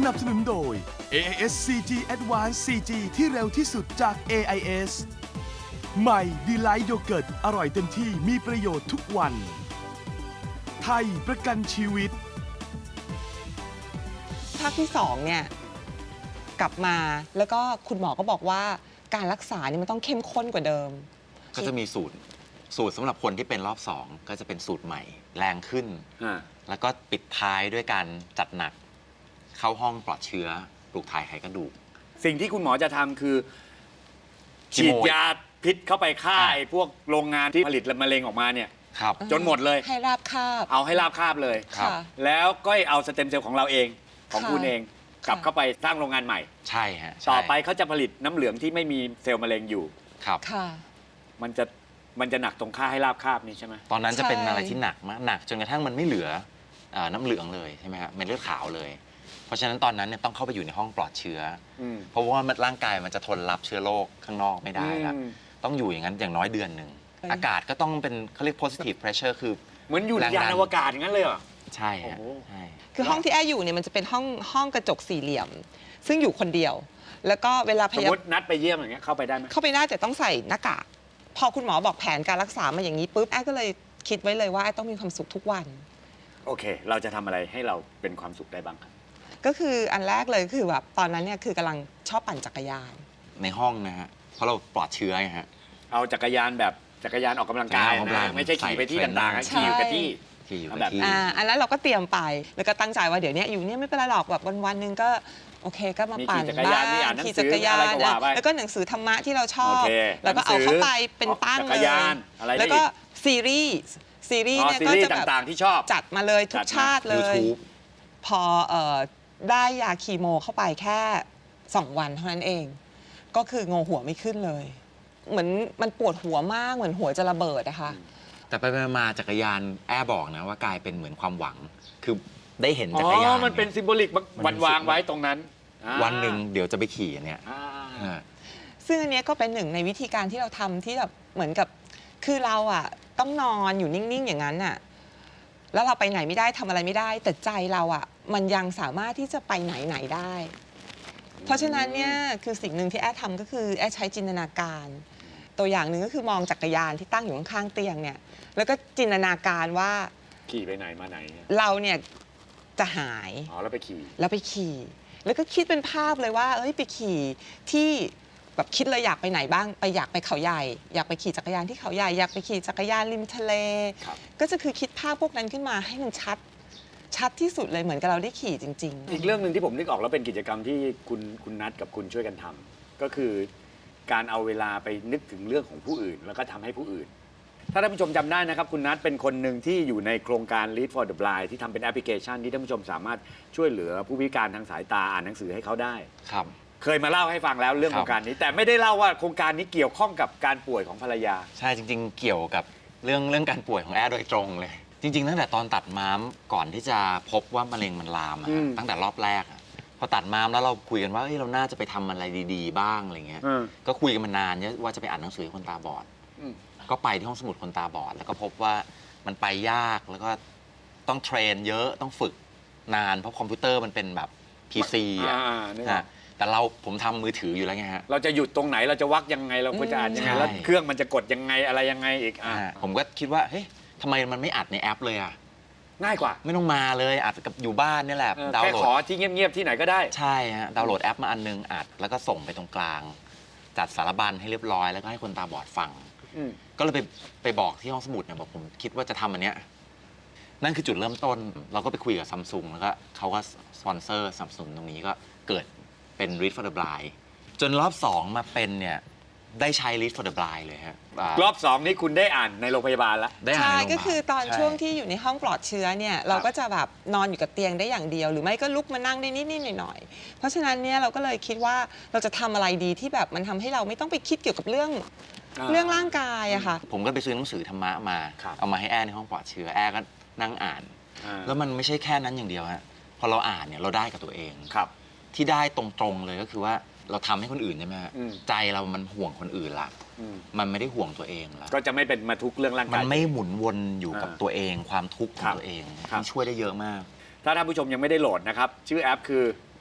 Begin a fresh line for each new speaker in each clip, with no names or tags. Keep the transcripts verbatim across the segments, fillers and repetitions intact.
นับสนุนโดย เอ ไอ เอส ซี จี Advanced ซี จี ที่เร็วที่สุดจาก เอ ไอ เอส ใหม่ Delight Yogurt อร่อยเต็มที่มีประโยชน์ทุกวัน ไทยประกันชีวิต
ภาคที่สองเนี่ยกลับมาแล้วก็คุณหมอก็บอกว่าการรักษานี่มันต้องเข้มข้นกว่าเดิม
ก็จะมีสูตรสูตรสำหรับคนที่เป็นรอบสองก็จะเป็นสูตรใหม่แรงขึ้น แล้วก็ปิดท้ายด้วยการจัดหนักเข้าห้องปลอดเชื้อปลูกถ่ายไขกระดูก
สิ่งที่คุณหมอจะทำคือ
คี
ฉี
โม
ดยาพิษเข้าไปฆ่า
อ่า
ไอ้พวกโรงงานที่ผลิตมะเร็งออกมาเนี่ย
ครับ
จนหมดเลย
ให้ราบคาบ
เอาให้ราบคาบเลย
ครับ
ค่ะ
แล้วก็เอาสเต็มเซลล์ของเราเองของ
ค่ะ
คุณเองกลับ
ค่ะ
เข้าไปสร้างโรงงานใหม่
ใช่ฮะใช่
ต่อไปเขาจะผลิตน้ำเหลืองที่ไม่มีเซลล์มะเร็งอยู่
ครับ
ค่ะ
มันจะมันจะหนักตรงค่าให้ราบคาบนี่ใช่ไหม
ตอนนั้นจะเป็น
ใช่
อะไรที่หนักมากหนักจนกระทั่งมันไม่เหลือเอ่อน้ำเหลืองเลยใช่ไหมครับเม็ดเลือดขาวเลย เพราะฉะนั้นตอนนั้นเนี่ยต้องเข้าไปอยู่ในห้องปลอดเชื้ออ
อืม
เพราะว่าร่างกายมันจะทนรับเชื้อโรคข้างนอกไม่ได้ละ
อืม
ต้องอยู่อย่างนั้นอย่างน้อยเดือนหนึ่งอากาศก็ต้องเป็นเขาเรียก positive pressure คือ
เหมือนอยู่ใน
แรงดัน
ยานอวกาศอย่างนั้นเลยเหรอ
ใช่ฮะ
โอ้โห
ใช่
คือห้องที่แอร์อยู่เนี่ยมันจะเป็นห้องห้องกระจกสี่เหลี่ยม ซึ่งอยู่คนเดียว แล้วก็เวลาพ
สม
ยาม
ตินัดไปเยี่ยมอย่างเงี้ยเข้าไปได้ไหม
เข้าไปได้แต่ต้องใส่หน้ากากพอคุณหมอบอกแผนการรักษามาอย่างนี้ปุ๊บแอร์ก็เลยคิดไว้เลยว่าแอร์ต้องมีความสุขทุกวัน
โอเค เราจะทำอะไรให้เราเป็นความสุขได้บ้างครับ
ก็คืออันแรกเลยคือแบบตอนนั้นเนี่ยคือกำลังชอบปั่นจักรยาน
ในห้องนะฮะเพราะเราปลอดเชื้อไงฮะ
เอาจักรยานแบบจักรยานออกกำลังกาย
จักรยานออกกำลัง
นะไม่ใช่ขี่ไปที่
ใส่
ต่างๆนะ
ใช่
ขี่อยู่กับที่
ที่อยู่
เอา
กับ
แบบ
ที่
อ่าอันนั้นเราก็เตรียมไปแล้วก็ตั้งใจว่าเดี๋ยวเนี้ยอยู่เนี่ยไม่เป็นไรหรอกแบบวันวันๆหนึ่งก็โอเคก็มา
มี
ปั่น
ขี่จักรยานมีอ่านหนังสือ
ขี่จักรยาน
อะไรก็ว่าไป
แล้วก็หนังสือธรรมะที่เราชอ
โอบ เค
แล้วก็เอา
หนังสือ
เข้าไปเป็นตั้ง
จัก
เล
ร
ย
ยานอะไรได้อีก
แล้วก็ซีรีส์ซีรีส์
อ๋อ
เนี่ย
ซี
ก็
รี
จะ
ส์
แบบ
ต่างๆที่ชอบ
จัดมาเลยทุ
จั
ก
ดมา
ชาติเลย
YouTube
พอเอ่อได้ยาคีโมเข้าไปแค่สองวันเท่านั้นเอง ก็คืองงหัวไม่ขึ้นเลย เหมือนมันปวดหัวมากเหมือนหัวจะระเบิดนะคะ
แต่ไปๆมาๆจักรยานแอร์บอกนะว่ากลายเป็นเหมือนความหวัง คือได้เห็น
อ๋
จักรยา
อน มันเป็น
ย
ซิมโบลิก
มั
วัน
น
วางไว้ตรงนั้นอ่า
วันหนึ่งเดี๋ยวจะไปขี่เนี่ย
อ่า
อ่า
ซึ่งอันเนี้ยก็เป็นหนึ่งในวิธีการที่เราทำที่แบบเหมือนกับคือเราอะต้องนอนอยู่นิ่ง ๆ อย่างนั้นอะแล้วเราไปไหนไม่ได้ทำอะไรไม่ได้ แต่ใจเราอะมันยังสามารถที่จะไปไหนไหนได้ เพราะฉะนั้นเนี่ยคือสิ่งหนึ่งที่แอดทำก็คือแอดใช้จินตนาการ ตัวอย่างหนึ่งก็คือมองจักรยานที่ตั้งอยู่ข้างๆเตียงเนี่ยแล้วก็จินตนาการว่า
ขี่ไปไหนมาไหนเนี่ย
เราเนี่ยจะหาย
อ๋อแล้วไปขี่
แล้วไปขี่ แล้วก็คิดเป็นภาพเลยว่า เอ้ยไปขี่ที่แบบคิดเลยอยากไปไหนบ้าง ไปอยากไปเขาใหญ่ อยากไปขี่จักรยานที่เขาใหญ่ อยากไปขี่จักรยานริมทะเล
ครับ
ก็จะคือคิดภาพพวกนั้นขึ้นมาให้มันชัด ชัดที่สุดเลยเหมือนกับเราได้ขี่จริง
อีกเรื่องหนึ่งที่ผมนึกออกแล้วเป็นกิจกรรมที่คุณคุณนัทกับคุณช่วยกันทำก็คือการเอาเวลาไปนึกถึงเรื่องของผู้อื่น แล้วก็ทำให้ผู้อื่น ถ้าท่านผู้ชมจำได้นะครับคุณนัทเป็นคนหนึ่งที่อยู่ในโครงการ Lead for the Blind ที่ทำเป็นแอปพลิเคชันที่ท่านผู้ชมสามารถช่วยเหลือผู้พิการทางสายตาอ่านหนังสือให้เขาได้
ครับ
เคยมาเล่าให้ฟังแล้วเรื่อง
ครับ
โครงการนี้ แต่ไม่ได้เล่าว่าโครงการนี้เกี่ยวข้องกับการป่วยของภรรยา
ใช่จริงๆ เกี่ยวกับเรื่องเรื่องการป่วยของแอร์โดยตรงเลย จริง ๆ ตั้งแต่ตอนตัดม้ามก่อนที่จะพบว่ามะเร็งมันลามอะ
อืม
ตั้งแต่รอบแรกอะพอตัดม้ามแล้วเราคุยกันว่าเอ้ยเราน่าจะไปทำอะไรดีๆ บ้างอะไรเงี้ย
อืม
ก็คุยกันมานานเนี่ยว่าจะไปอ่านหนังสือให้คนตาบอด
อืม
ก็ไปที่ห้องสมุดคนตาบอด แล้วก็พบว่ามันไปยากแล้วก็ต้องเทรนเยอะต้องฝึกนานเพราะคอมพิวเตอร์มันเป็นแบบ พี ซี อ่ะ
อ่านึกออก
ฮะแต่เราผมทำมือถืออยู่แล้วไงฮะ
เราจะหยุดตรงไหนเราจะวักยังไงเราก็จะอ่านยังไง
ใช่
แล้วเครื่องมันจะกดยังไงอะไรยังไงอีกอ่ะ
อ่าผมก็คิดว่าเฮ้ยทำไมมันไม่อัดในแอปเลยอ่ะ
ง่ายกว่า
ไม่ต้องมาเลยอัดกับอยู่บ้านนี่แหละ
เออ
ดาว
แค่
น์โหล
ขอ
ด
ที่เงียบๆที่ไหนก็ได้
ใช่ฮะดาวน์โหลดแอปมาอันนึงอัดแล้วก็ส่งไปตรงกลาง จัดสารบัญให้เรียบร้อยแล้วก็ให้คนตาบอดฟัง
อืม
ก็เลยไปไปบอกที่ห้องสมุดเนี่ยบอกผมคิดว่าจะทำอันเนี้ยนั่นคือจุดเริ่มต้น เราก็ไปคุยกับซัมซุงแล้วก็เขาก็สปอนเซอร์สนับสนุนตรงนี้ก็เกิดเป็น Read for the Blind จนรอบสองมาเป็นเนี่ยได้ใช้ Read for the Blind เลยฮะอ่าร
อบสองนี้คุณได้อ่านในโรงพยาบาลแล้ว
ได้
ๆ
อ่าน
ใช่
ในโรงพยาบาล
ก็คือตอน
ใช่
ช่วงที่อยู่ในห้องปลอดเชื้อเนี่ยเราก็จะแบบนอนอยู่กับเตียงได้อย่างเดียว หรือไม่ก็ลุกมานั่งได้นิดๆหน่อยๆเพราะฉะนั้นเนี่ยเราก็เลยคิดว่าเราจะทำอะไรดีที่แบบมันทำให้เราไม่ต้องไปคิดเกี่ยวกับเรื่อง
อ่า
เรื่องร่างกายอะค่ะ
ผมก็ไปซื้อหนังสือธรรมะมา
ครับ
เอามาให้แอร์ในห้องปลอดเชื้อแอร์ก็นั่งอ่าน
อ่า
แล้วมันไม่ใช่แค่นั้นอย่างเดียวฮะพอเราอ่านเนี่ยเราได้กับตัวเอง
ครับ
ที่ได้ตรงๆเลยก็คือว่าเราทำให้คนอื่นใช่ไหมฮะ
อืม
ใจเรามันห่วงคนอื่นละ
อืม
มันไม่ได้ห่วงตัวเองละ
ก็จะไม่เป็นมาทุกข์เรื่องร่าง
มั
กาย
นไม่หมุนวนอยู่กับ
อ่า
ตัวเอง ความทุกข์ขอ
ครั
ง
บ
ตัวเอง
ครับ
ที่ช่วยได้เยอะมาก
ถ้าท่านผู้ชมยังไม่ได้โหลดนะครับ ชื่อแอปคือ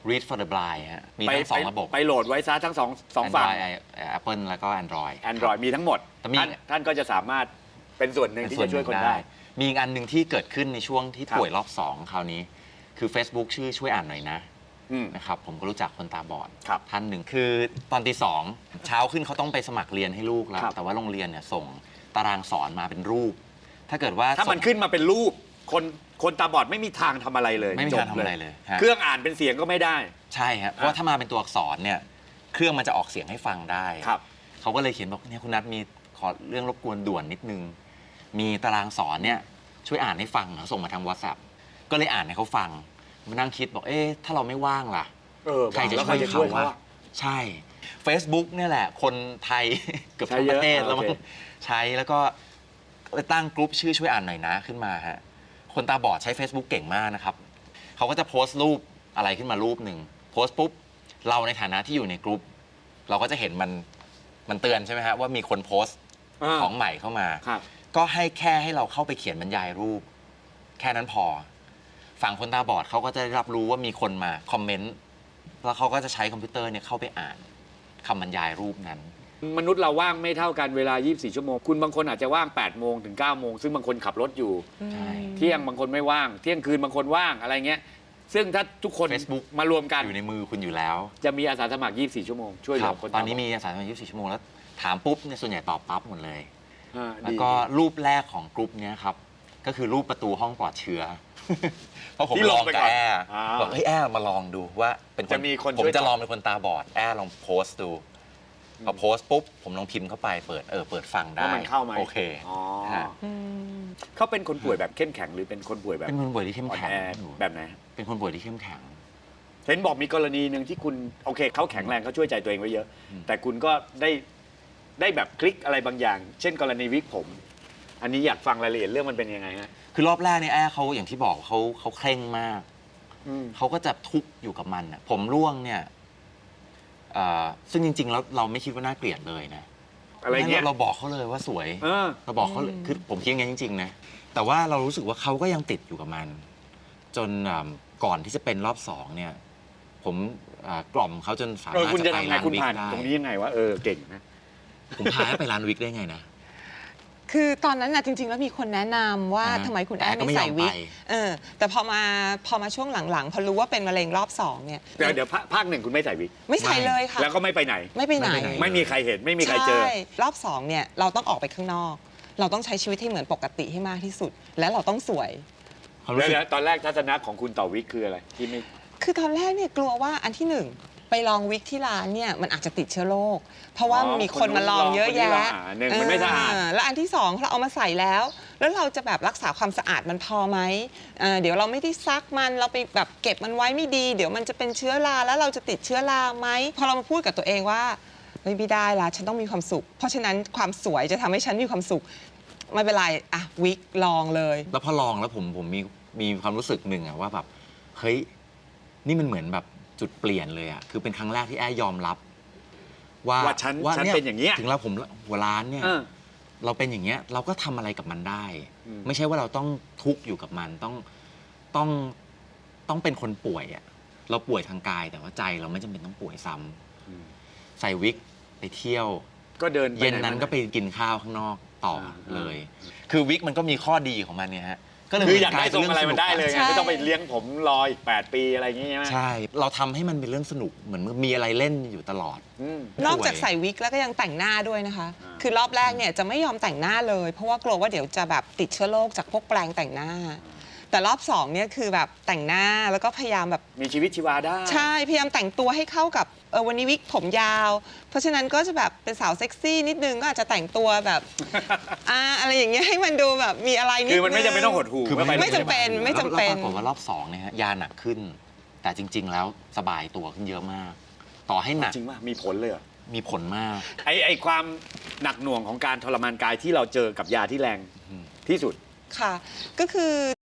Read for the Blind ฮะมี
ไป
ทั้งสองระบบ
ไปโหลดไว้ซะทั้งสองสองฝั่ง
Android Apple แล้วก็ Android
Android มีทั้งหมด
แต่มี
ท่านท่านก็จะสามารถเป็นส่วนหนึ่งที่จะช่วยคนได้
มีอีกอันหนึ่งที่เกิดขึ้นในช่วงที่
ครับ
ป่วยรอบสองคราวนี้ คือ Facebook ชื่อช่วยอ่านหน่อยนะ
อืม
นะครับผมก็รู้จักคนตาบอด
ครับ
ท่านหนึ่งคือตอนตีสองเช้าขึ้นเขาต้องไปสมัครเรียนให้ลูกแล้ว
ครับ
แต่ว่าโรงเรียนเนี่ยส่งตารางสอนมาเป็นรูป ถ้าเกิดว่า
ถ้ามัน
ส่ง
ขึ้นมาเป็นรูป คนคนตาบอดไม่มีทางทำอะไรเลย
ไม่มี
จบ
ทางทำอะไรเลยฮะ
เครื่องอ่านเป็นเสียงก็ไม่ได้
ใช่ครับเพราะว่าถ้ามาเป็นตัวอักษรเนี่ยเครื่องมันจะออกเสียงให้ฟังได้
ครับ
เขาก็เลยเขียนบอกเนี่ยคุณนัทมีขอเรื่องรบกวนด่วนนิดนึง มีตารางสอนเนี่ยช่วยอ่านให้ฟังเขาส่งมาทาง WhatsApp ก็เลยอ่านให้เขาฟังมานั่งคิดบอกเอ๊ะถ้าเราไม่ว่างล่ะ
เออ
ใครจะ
แล้ว
ช่วย
ใครจะช่
เขา
วยเขา
วะ
อะ
ใช่ Facebook เนี่ยแหละ คนไทย เกือบทั้ง
ใช้เย
ป
อะ
ระเทศแล้วมั้ง
โอเค
ใช้แล้วก็ตั้งกลุ่มชื่อช่วยอ่านหน่อยนะขึ้นมาฮะคนตาบอดใช้ Facebook เก่งมากนะครับเขาก็จะโพสต์รูปอะไรขึ้นมารูปหนึ่งโพสต์ปุ๊บเราในฐานะที่อยู่ในกลุ่มเราก็จะเห็นมันมันเตือนใช่ไหมฮะว่ามีคนโพสต์
า
ของใหม่เข้ามา
ครับ
ก็ให้แค่ให้เราเข้าไปเขียนบรรยายรูป แค่นั้นพอ ฝั่งคนตาบอดเขาก็จะได้รับรู้ว่ามีคนมาคอมเมนต์แล้วเขาก็จะใช้คอมพิวเตอร์เนี่ยเข้าไปอ่านคำบรรยายรูปนั้น
มนุษย์เราว่างไม่เท่ากันเวลา ยี่สิบสี่ ชั่วโมง คุณบางคนอาจจะว่าง แปด โมงถึง เก้า โมง ซึ่งบางคนขับรถอยู่
ใช่
เที่ยงบางคนไม่ว่าง เที่ยงคืนบางคนว่างอะไรเงี้ย ซึ่งถ้าทุกคน
Facebook
มารวมกัน
อยู่ในมือคุณอยู่แล้ว
จะมีอาสาสมัคร ยี่สิบสี่ ชั่วโมง ช่วยเห
ค
ลื
รั
อบ คน
ตอนนี้มีอาสาสมัครยี่สิบสี่ชั่วโมงแล้วถามปุ๊บเนี่ยส่วนใหญ่ตอบปั๊บหมดเลย
อ่า
แล้ว
ดี
ก็รูปแรกของกลุ่มเนี้ยครับก็คือรูปประตูห้องปลอดเชื้อ เพราะผม
ที่
ล
ล
อง ง
ไป
กับ
ก่อน
แอร์
อ่า
บอกเฮ้ยแอร์มาลองดูว่าเป็นคน
จะมีคน
ผม
ช่วย
จะ
ตอบ
ลองเป็นคนตาบอดแอร์ลองโพสต์ดูพอโพสต์ปุ๊บผมลองพิมพ์เข้าไปเปิดเออเปิดฟังได้
ว่ามันเข้าไหม
โอเค
อ๋อ
ฮะ
อืม
เขาเป็นคนป่วยแบบเข้มแข็งหรือเป็นคนป่วยแบบ
เป็นคนป่วยที่เข้ม
อ่อน
แข็ง
แอแบบไหน
เป็นคนป่วยที่เข้มแข็ง
เห็นบอกมีกรณีหนึ่งที่คุณโอเคเขาแข็งแรงเขาช่วยใจตัวเองไว้เยอะ
อืม
แต่คุณก็ได้ได้แบบคลิกอะไรบางอย่าง เช่น กรณีวิกผม อันนี้อยากฟังรายละเอียดเรื่องมันเป็นยังไงฮะ
คือรอบแรกเนี่ยแอร์เขาอย่างที่บอกเขาเขาเคร่งมาก
อืม
เขาก็จะทุกข์อยู่กับมันน่ะผมร่วงเนี่ยเอ่อซึ่งจริง ๆ แล้วเราไม่คิดว่าน่าเกลียดเลยนะ
อะไรเงี้ย
เราบอกเขาเลยว่าสวย
เออ
เราบอกเขาเลยคือผมคิดอย่างนั้นจริง ๆ นะ แต่ว่าเรารู้สึกว่าเขาก็ยังติดอยู่กับมัน จนอ่าก่อนที่จะเป็นรอบสองเนี่ย ผมอ่ากล่อมเขาจนสา
เออ
มารถ
คุณ
จะ
จะ
ไป
ทำไง
ร้าน
คุณ
วิก
ผ่าน
ได้
ตรงนี้ยังไงวะเออเก่งนะ
ผมพาให้ไปร้านวิกได้ไงนะ
คือตอนนั้นนะจริง ๆ แล้วมีคนแนะนำว่า
อ่า
ทำไมคุณ
แต่
แอด
ก็ไม่
ไม่ใส่
ยอม
วิก
ไป
เออแต่พอมาพอมาช่วงหลังๆ พอรู้ว่าเป็นมะเร็งรอบสองเนี่ย
เดี๋ยวเดี๋ยวภาภาคหนึ่งคุณไม่ใส่วิก
ไม่ใส่เลยค่ะ
แล้วก็ไม่ไปไหน
ไม่ไปไหน
ไม่ไปไหน
ไม่มีใครเห็นไม่มีใครเจอ
ใช่รอบสองเนี่ยเราต้องออกไปข้างนอก เราต้องใช้ชีวิตให้เหมือนปกติให้มากที่สุด และเราต้องสวย
ความรู้
แล้ว
สึก
เดี๋ยวตอนแรกทัศนะของคุณต่อวิกคืออะไรที่ไม่
คือตอนแรกเนี่ยกลัวว่าอันที่หนึ่งไปลองวิกที่ร้านเนี่ยมันอาจจะติดเชื้อโรคเพราะว่า
อ๋อ
มีคนมาลองเยอะแยะ
คนนี้ลองอ่าหนึ่งมันไม่สะอาด
เแล้วอันที่สองเราเอามาใส่แล้ว แล้วเราจะแบบรักษาความสะอาดมันพอไหมเอ่อเดี๋ยวเราไม่ได้ซักมันเราไปแบบเก็บมันไว้ไม่ดี เดี๋ยวมันจะเป็นเชื้อราแล้วเราจะติดเชื้อราไหมพอเรามาพูดกับตัวเองว่าเฮ้ยไม่ได้ละฉันต้องมีความสุข เพราะฉะนั้นความสวยจะทำให้ฉันมีความสุขไม่เป็นไรอะวิกลองเลย
แล้วพอลองแล้วผมผมมีมีความรู้สึกหนึ่งอะว่าแบบเฮ้ยนี่มันเหมือนแบบจุดเปลี่ยนเลยอะคือเป็นครั้งแรกที่แอร์ยอมรับ ว่า
ว่าฉันฉันเป็นอย่างเงี้ย
ถึงเราผมหัวร้านเนี่ย
เออ
เราเป็นอย่างเงี้ยเราก็ทำอะไรกับมันได้
อืม
ไม่ใช่ว่าเราต้องทุกข์อยู่กับมันต้องต้องต้องเป็นคนป่วยอะเราป่วยทางกายแต่ว่าใจเราไม่จำเป็นต้องป่วยซ้ำ
อืม
ใส่วิกไปเที่ยว
ก็เดินไป
เย็น
ไห
นั้นก็ไปกินข้าวข้างนอกต่อ
อ่า
เลย คือวิกมันก็มีข้อดีของมันเนี่ยฮะก็เลย
คืออยาก
กล
ได้
ย
ท
เป็
รงอะไรมันได้เลยไง
ใช่
ไม่ต้องไปเลี้ยงผมรออีกแปดปีอะไรอย่างเงี้ยใช่ไหม
ใช่ เราทำให้มันเป็นเรื่องสนุกเหมือนมีอะไรเล่นอยู่ตลอด
อืม
นอกจากใส่วิกแล้วก็ยังแต่งหน้าด้วยนะคะ
อ่า
คือรอบแรกเนี่ยจะไม่ยอมแต่งหน้าเลย เพราะว่ากลัวว่าเดี๋ยวจะแบบติดเชื้อโรคจากพวกแปรงแต่งหน้า แต่รอบสองเนี่ยคือแบบแต่งหน้าแล้วก็พยายามแบบ
มีชีวิตชีวาได้
ใช่พยายามแต่งตัวให้เข้ากับเออวันนี้วิกผมยาว เพราะฉะนั้นก็จะแบบเป็นสาวเซ็กซี่นิดนึงก็อาจจะแต่งตัวแบบ อ่าอะไรอย่างเงี้ยให้มันดูแบบมีอะไรนิดนึง
คือมันไม่จำเป็นต้องหดหู
คือ
ก็ป
ไม่จำเป็นไม่จำเป็น
แล้วปรากฏว่ารอบสองเนี่ยฮะยาหนักขึ้น แต่จริง ๆ แล้วสบายตัวขึ้นเยอะมาก ต่อให้หนัก
จริงว่ามีผลเลยเหรอ
มีผลมาก
ไอไอความหนักหน่วงของการทรมานกายที่เราเจอกับยาที่แรง
อืม
ที่สุด
ค่ะ ก็คือ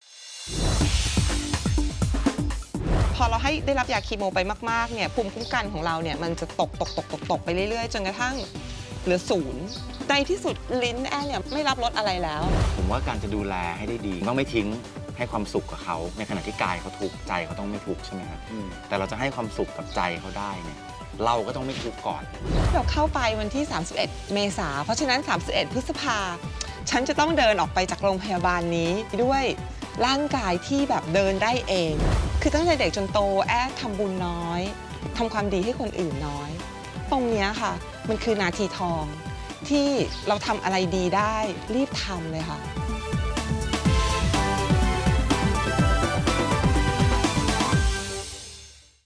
พอเราให้ได้รับยาคีโมไปมากๆเนี่ยภูมิคุ้มกันของเราเนี่ยมันจะตกตกตกตกตกไปเรื่อยๆ จนกระทั่งเหลือศูนย์ในที่สุดลิ้นแอนเนี่ยไม่รับรสอะไรแล้ว
ผมว่าการจะดูแลให้ได้ดีต้องไม่ทิ้งให้ความสุขกับเขาในขณะที่กายเขาทุกข์ใจเขาต้องไม่ทุกข์ใช่ไหมครับแต่เราจะให้ความสุขกับใจเขาได้เนี่ยเราก็ต้องไม่ทุกข์ก่อน
เราเข้าไปวันที่ สามสิบเอ็ด เมษาเพราะฉะนั้น สามสิบเอ็ด พฤษภาฉันจะต้องเดินออกไปจากโรงพยาบาลนี้ด้วยร่างกายที่แบบเดินได้เองคือตั้งแต่เด็กจนโตแอบทำบุญน้อยทำความดีให้คนอื่นน้อยตรงนี้ค่ะมันคือนาทีทองที่เราทำอะไรดีได้รีบทำเลยค่ะ